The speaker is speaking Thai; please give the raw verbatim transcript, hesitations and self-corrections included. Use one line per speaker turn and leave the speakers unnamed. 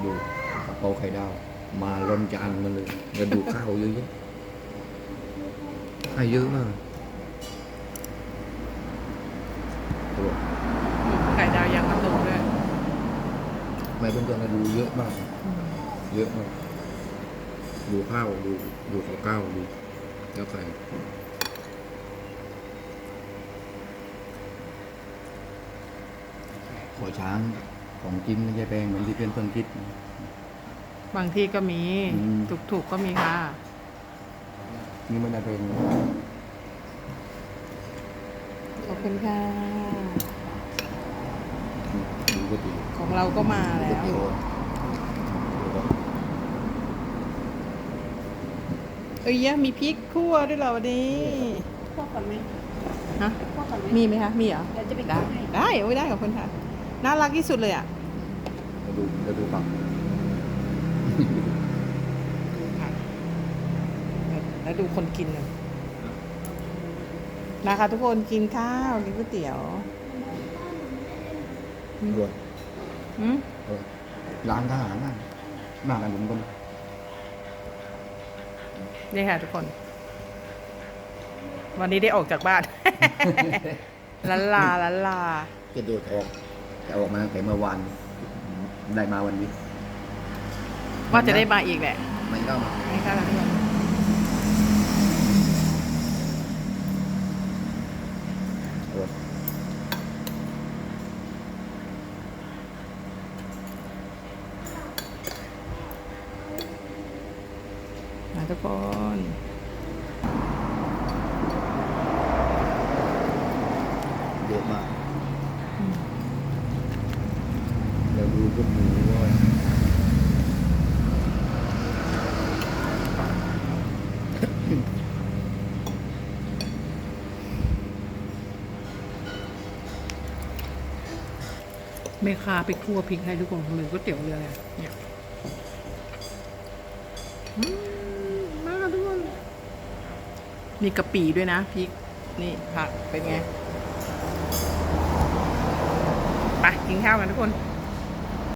ดูกระเพราไข่ดาวมาล้นจานมาเลยกระดูกข้าวเยอะๆให้เยอะมากตัว
ไข่ดาวยังกระตุกด้วย
ไม่เพื่อนๆนะดูเยอะมาก เยอะมากดูข้าวดูดูข้าวข้าวดูแล้วไข่ขอช้างของจริงไม่ใช่แพงเหมือนที่เพื่อนๆคิด
บางที่ก็มี
อืม
ถูกๆก็มีค่ะ
นี่มันจะเป็น
ขอบคุณค่ะ
ดูก๋วยเตี๋ยว
ของเราก็มาแล้
ก๋วยว เตี๋ยว
เอ้ยยะมีพริกคั่วด้วยเหรอวันนี้
พวกก่อนไหม
ฮะ
พวกก่อนไหม
มีไหมคะ มีเหรอ
เดี๋ยวจะไป
ได้
ให้
ได้โอ้ยได้ขอบคุณค่ะ น่ารักที่สุดเลยอ่ะ
มาดูมาดูปัก
แล้วดูคนกินน่ะนะคะทุกคนกินข้าวกินก๋วยเตี๋ยว
ด้วย
อืม
ร้านทหารน่ะหน้ากันผมก็
นี่ค่ะทุกคน วันนี้ได้ออกจากบ้าน ลันลาลันลา
จะโดดออกแต่ออกมาแต่เมื่อวานได้มาวันนี้
ว่าจะได้มาอีกแหละ
มันก็มา
นี่ค่ะทุกคน
โอ้
มาทุกคน
เยอะมากแล้วดูพวกหมูด้วย
แม่ค้าไปคั่วพริกให้ทุกคนหรือก๋วยเตี๋ยวเรืออะไรเนี่ยอืมมาทุกคนมีกะปิด้วยนะพริกนี่ผักเป็นไงไปกินข้าวกันทุกคน